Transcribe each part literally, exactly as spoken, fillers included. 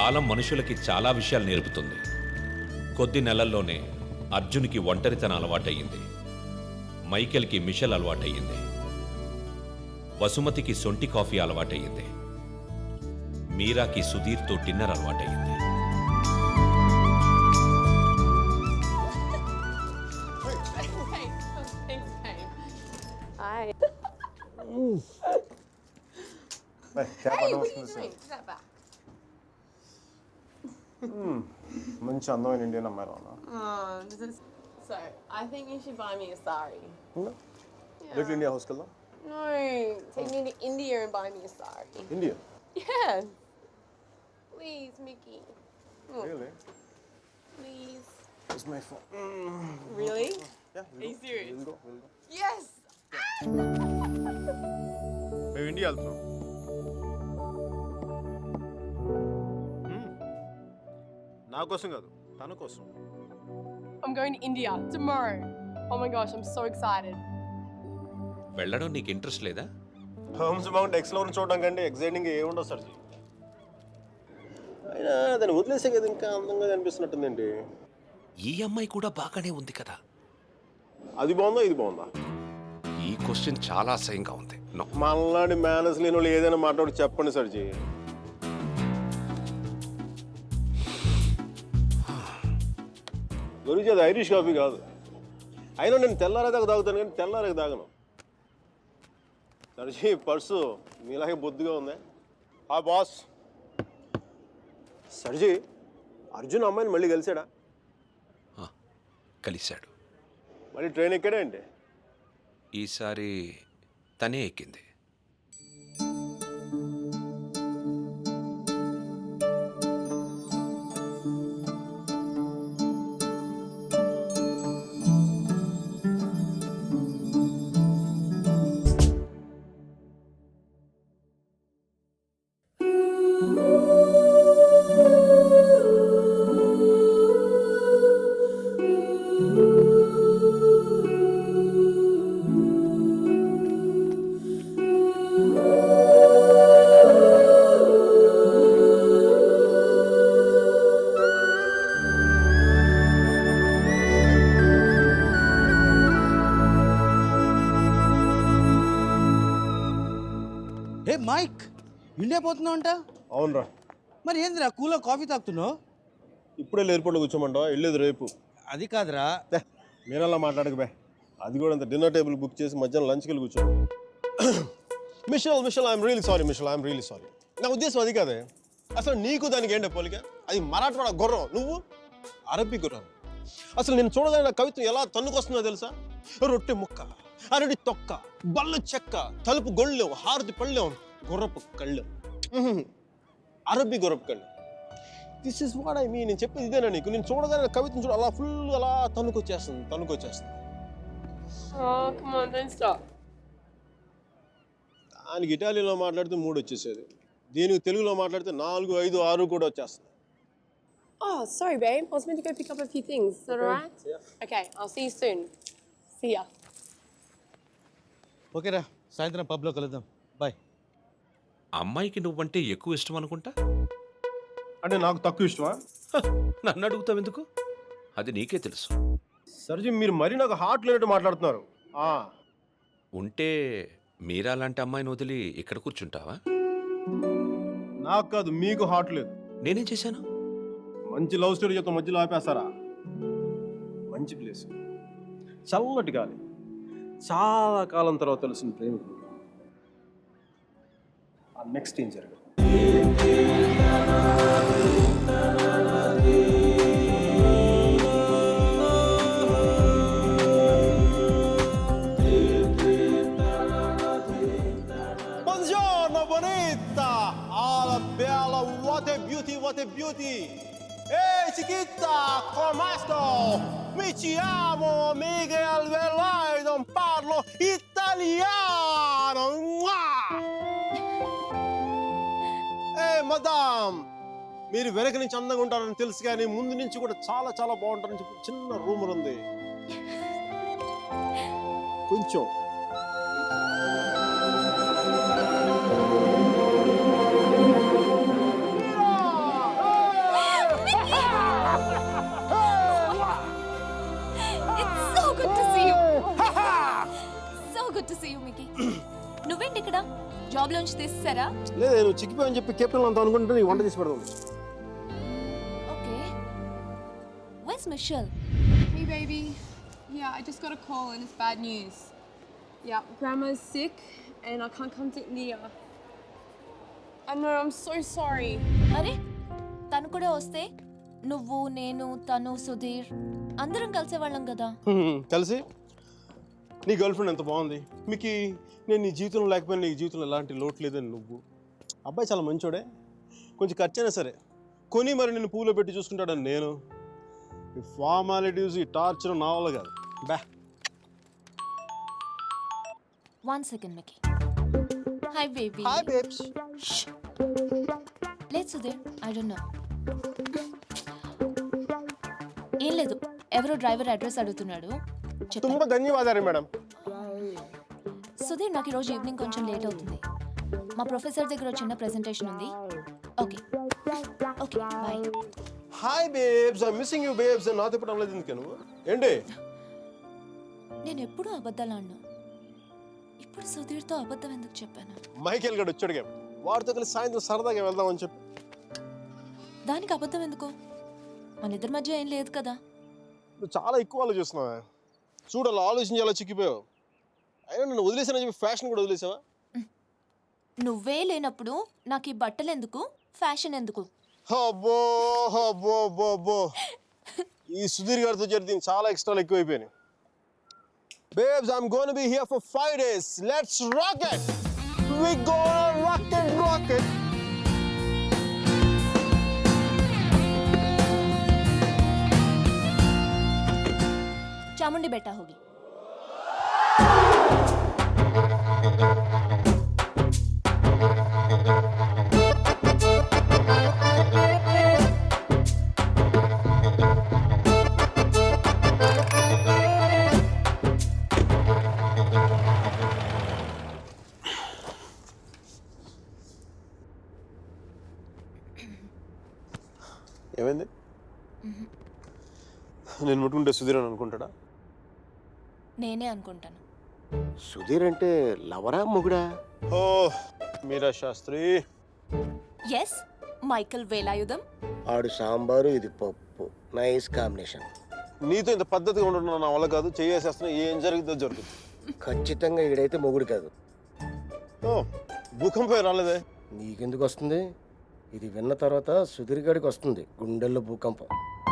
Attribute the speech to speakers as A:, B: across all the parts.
A: కాలం మనుషులకి చాలా విషయాలు నేర్పుతుంది. కొద్ది నెలల్లోనే అర్జున్కి ఒంటరితనం అలవాటయ్యింది, మైకేల్కి మిషల్ అలవాటయ్యింది, వసుమతికి సొంటి కాఫీ అలవాటయ్యింది, మీరాకి సుధీర్తో డిన్నర్ అలవాటయ్యింది.
B: మంచి అందమైన ఇండియన్ అమ్మాయి రానా?
C: So, I think you should buy me a sari.
B: Little India హౌస్కి వెళ్దాం.
C: No, take me to India and buy me a sari.
B: India?
C: Yeah. Please, Mickey. Oh,
B: Really?
C: please.
B: It's my phone.
C: Really?
B: Yeah.
C: Are you serious?
B: We'll go. We'll go.
C: Yes!
B: మేము India వెళ్తున్నాం. నా కోసం కాదు, తన కోసం.
C: I'm going to India tomorrow. Oh my gosh, I'm so excited.
A: వెళ్ళడం నీకు interest లేదా?
B: హోమ్స్ మౌంట్ ఎక్స్ప్లోర్ చూడడం కంటే ఎక్సైటింగ్ ఏముండవు సార్. అయినా దాన్ని వదిలేసే కదా ఇంకా అందంగా కనిపిస్తున్నట్టుందండి.
A: ఈ అమ్మాయి కూడా బాగానే ఉంది కదా.
B: అది బాగుందా ఇది బాగుందా?
A: ఈ క్వశ్చన్ చాలా అసహ్యంగా ఉంది. నో.
B: మనలాంటి మేనర్స్ లేని వాళ్ళు ఏదైనా మాట్లాడి చెప్పండి సర్జీ. గురించి అది ఐరిష్ కాఫీ కాదు. అయినా నేను తెల్లారేదాకా తాగుతాను కానీ తెల్లారేకి తాగను. సర్జీ పర్సు మీలాగే బొద్దుగా ఉంది. ఆ బాస్ సర్జీ, అర్జున్ అమ్మాయిని మళ్ళీ కలిసాడా?
A: కలిశాడు.
B: మళ్ళీ ట్రైన్ ఎక్కాడా ఏంటి?
A: ఈసారి తనే ఎక్కింది.
D: మైక్, ఇండియా పోతున్నావు అంట?
B: అవునరా.
D: మరి ఏందిరా కూలో కాఫీ తాగుతున్నావు?
B: ఇప్పుడే ఎయిర్పోర్ట్లో కూర్చోమంటావా? వెళ్ళేది రేపు.
D: అది కాదురా.
B: మీరలా మాట్లాడక. అది కూడా అంత డిన్నర్ టేబుల్ బుక్ చేసి మధ్యాహ్నం లంచ్కి వెళ్ళి కూర్చో. Michelle Michelle I'm really sorry Michelle I'm really sorry. నా ఉద్దేశం అది కాదే. అసలు నీకు దానికి ఏంటో పోలిక? అది మరాఠవాడ గుర్రం, నువ్వు అరబ్బీ గుర్రం. అసలు నేను చూడగానే నా కవిత్వం ఎలా తన్నుకొస్తుందో తెలుసా? రొట్టె ముక్క, అరటి తొక్క, బల్ల చెక్క, తలుపు గొళ్ళెం, హారతి పళ్ళెం, గుర్రపు కళ్ళెం, అరబ్బీ గుర్రపు కళ్ళెం. This is what I mean. నేను చెప్పేది ఇదేనా నీకు? నేను చూడగానే కవిత్వం చూడ అలా ఫుల్ అలా తన్నుకొచ్చేస్తుంది తన్నుకొచ్చేస్తుంది.
C: Oh, come on, don't stop.
B: దానికి ఇటాలియన్లో మాట్లాడితే మూడు వచ్చేసేది, దీనికి తెలుగులో మాట్లాడితే నాలుగు ఐదు ఆరు కూడా వచ్చేస్తుంది.
C: Oh, sorry, babe. I was meant to go pick up a few things. Is that all right?
B: Yeah.
C: Okay, I'll see you soon. See ya.
D: ఓకేరా, సాయంత్రం పబ్లో కలుద్దాం. బాయ్.
A: అమ్మాయికి నువ్వంటే ఎక్కువ ఇష్టం అనుకుంటా.
B: అంటే నాకు తక్కువ ఇష్టమా?
A: నన్ను అడుగుతావు ఎందుకు? అది నీకే తెలుసు.
B: సర్జీ, మీరు మరీ నాకు హార్ట్ లేనట్టు మాట్లాడుతున్నారు.
A: ఉంటే మీరా లాంటి అమ్మాయిని వదిలి ఇక్కడ కూర్చుంటావా?
B: నాకు కాదు, మీకు హార్ట్ లేదు.
A: నేనేం చేశాను?
B: మంచి లవ్ స్టోరీ చెప్తా మధ్యలో ఆపేస్తారా? మంచి ప్లేస్, చల్లటి గాలి, చాలా కాలం తర్వాత తెలిసిన ప్రేమికులు. ఆ నెక్స్ట్ ఏం జరగదు. Buongiorno bonita, alla bella, what a beauty, what a beauty. Ehi chiquita, come sto? Mi chiamo Miguel Velarde, non parlo italiano. Ehi madame, మీరు వెనక నుంచి అందంగా ఉంటారని తెలుసు కానీ ముందు నుంచి కూడా చాలా చాలా బాగుంటారని చెప్పి చిన్న రూమర్ ఉంది. కొంచెం
E: good to see you Mickey. నువ్వేంటి ఇక్కడ? జాబ్ లోంచి తీసేసారా?
B: లేదు నువ్వు చిక్కిపోయని చెప్పి కెప్టెన్ అంత అనుకుంటే నీ వంట చేసి పెడదాం.
E: Okay. Where's Michelle?
C: Hey, baby. Yeah, I just got a call and it's bad news. Yeah, Grandma's sick and I can't come to India. I know, I'm so sorry.
E: అరే తను కూడా వస్తే నువ్వు నేను తను సుధీర్ అందరం కలిసేవాళ్ళం కదా.
B: హ్మ్, కలిసి నీ గర్ల్ ఫ్రెండ్ ఎంత బాగుంది మీకు. నేను నీ జీవితంలో లేకపోయినా నీ జీవితంలో ఎలాంటి లోటు లేదని నువ్వు. అబ్బాయి చాలా మంచోడే, కొంచెం ఖర్చైనా సరే కొని మరి నేను పూలో పెట్టి చూసుకుంటాడని నేను. ఈ ఫార్మాలిటీస్ ఈ టార్చర్ నా వల్ల కాదు. బా
E: one second Mickey. Hi baby.
B: Hi babes.
E: లేదు సుధీర్, ఐ డోంట్ నో. ఏం లేదు, ఎవరో డ్రైవర్ అడ్రస్ అడుగుతున్నాడు. చెప్పు.
B: తుంబ ధన్యవాదాలు మేడం.
E: సుధీర్, నాకు ఈరోజు ఈవినింగ్ కొంచెం లేట్ అవుతుంది. మా ప్రొఫెసర్ దగ్గర చిన్న ప్రెజెంటేషన్ ఉంది. Okay okay bye.
B: Hi babes, I missing you babes. నాతో ఇప్పుడు అనలేదు ఎందుకు నువ్వు? ఏంటి
E: నేను ఎప్పుడూ అబద్ధాలు ఆడినా, ఇప్పుడు సుధీర్తో అబద్ధం ఎందుకు చెప్పాను?
B: మైకేల్ గడు వచ్చాడుగా, వాడితో కలిసి సాయంత్రం సరదాగా వెళ్దామని చెప్పి.
E: దానికి అబద్ధం ఎందుకు? మన ఇద్దరి మధ్య ఏం లేదు కదా.
B: నువ్వు చాలా ఎక్కువ ఆలోచిస్తున్నావా? చూడు అలా ఆలోచించి అలా చిక్కిపోయావు. అయినా నన్ను వదిలేసానని చెప్పి ఫ్యాషన్ కూడా వదిలేసావా?
E: నువ్వే లేనప్పుడు నాకు ఈ బట్టలు ఎందుకు, ఫ్యాషన్ ఎందుకు?
B: అబ్బో అబ్బో అబ్బో అబ్బో, ఈ సుధీర్ గారితో జరిగింది చాలా ఎక్స్ట్రాలు ఎక్కువైపోయినాయి. Babes, I'm going to be here for five days. Let's rock it. We gonna rock it, rock it.
E: Chamundi बेटा होगी.
B: ఏమైంది? నేను ముట్టుకుంటే సుధీర్ అని అనుకుంటాడా?
E: నేనే అనుకుంటాను.
F: సుధీర్ అంటే లవరా మొగుడా?
B: ఓ మీరా శాస్త్రి.
E: Yes, Michael Velayudham.
F: ఆడు సాంబారు, ఇది పప్పు. Nice combination.
B: నీతో ఇంత పద్ధతిగా ఉండడం నా వల్ల కాదు. చేసేస్తున్నా, ఏం జరుగుతుందో జరుగుతుంది.
F: ఖచ్చితంగా ఈడైతే మొగుడు కాదు.
B: ఓ భూకంపం రాలేదే?
F: నీకెందుకు వస్తుంది? ఇది విన్న తర్వాత సుధీర్ గాడికి వస్తుంది గుండెల్లో భూకంపం.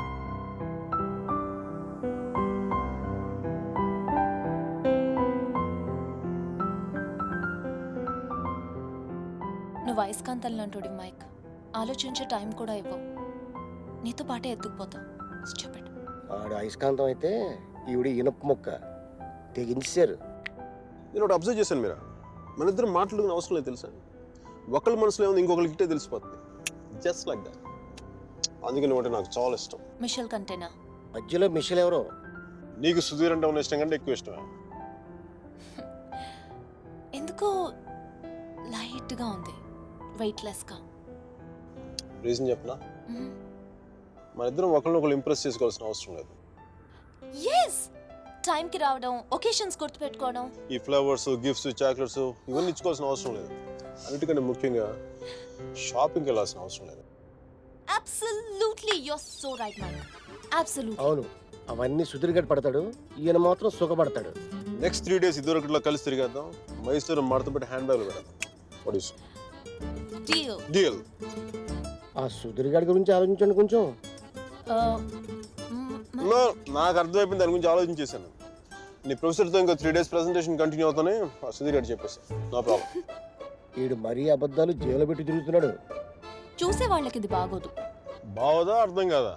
E: నువ్వు అయస్కాంతం లాంటి మైక్, ఆలోచించే టైం కూడా ఇవ్వవు. నీతో పాటే ఎత్తుకుపోతావు. స్టూపిడ్.
F: ఆడు అయస్కాంతం అయితే ఈవిడ ఇనుప మొక్క తెగించారు.
B: నేను ఒకటి అబ్జర్వ్ చేశాను మీరా, మన ఇద్దరు మాట్లాడుకునే అవసరం లేదు తెలుసా. ఒకళ్ళ మనసులో ఏముంది ఇంకొకరికి ఇట్టే తెలిసిపోతుంది. Just like that. అందుకని ఒకటి నాకు చాలా ఇష్టం.
E: మిషల్ కంటేనా?
F: మధ్యలో మిషల్ ఎవరో?
B: నీకు సుధీర్ అంటే ఉన్న ఇష్టం కంటే ఎక్కువ ఇష్టమే.
E: ఎందుకో లైట్గా ఉంది, వెయిట్లెస్గా.
B: రీజన్ చెప్పనా? మన ఇద్దరం ఒకరినొకరు ఇంప్రెస్ చేసుకోవాల్సిన అవసరం లేదు.
E: ఎస్, టైంకి రావడం, ఒకేషన్స్ గుర్తుపెట్టుకోవడం.
B: ఈ ఫ్లవర్స్, గిఫ్ట్స్, చాక్లెట్స్ ఇవన్నీ ఇచ్చుకోవాల్సిన అవసరం లేదు. అన్నిటికంటే ముఖ్యంగా షాపింగ్కి వెళ్ళాల్సిన అవసరం లేదు.
E: Absolutely, you are so right Mike. Absolutely.
F: అవును, అవన్నీ సుధీర్ గారు పడతాడు, ఈయన మాత్రం సుఖపడతాడు.
B: నెక్స్ట్ త్రీ డేస్ ఇద్దరు ఒకటిలో కలిసి తిరిగేద్దాం. మైసూరు మడత పెట్టి హ్యాండ్ బ్యాగ్లో పెడదాం. What is
E: deal?
B: డీల్.
F: ఆ సుధీర్ గారి గురించి ఆలోచించండి కొంచెం.
B: నో, నాకు అర్థమైపోయింది. దాని గురించి ఆలోచించేసాను. నీ ప్రొఫెసర్తో ఇంకా త్రీ డేస్ ప్రెజెంటేషన్ కంటిన్యూ అవుతానే సుధీర్ గారు చెప్పేసి నో ప్రాబ్లం.
F: వీడు మరీ అబద్ధాలు జైలు పెట్టి తిరుగుతున్నాడు.
E: చూసే వాళ్ళకి ఇది బాగోదు.
B: బావదా అర్థం కాదా?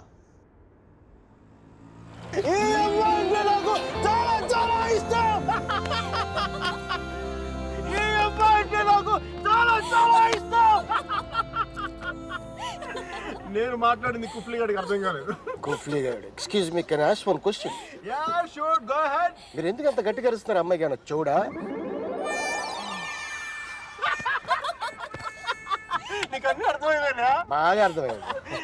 B: నేను మాట్లాడింది కుఫ్లీ గారికి అర్థం కాలేదు.
F: కుఫ్లీ గారు, excuse me, can I ask one question?
B: Yeah sure, go ahead.
F: మీరు ఎందుకు అంత గట్టిగా అరుస్తున్నారు? అమ్మాయికి ఏమన్నా చూడా?
B: నీకు అన్నీ అర్థమైందా?
F: బాగా అర్థమైంది.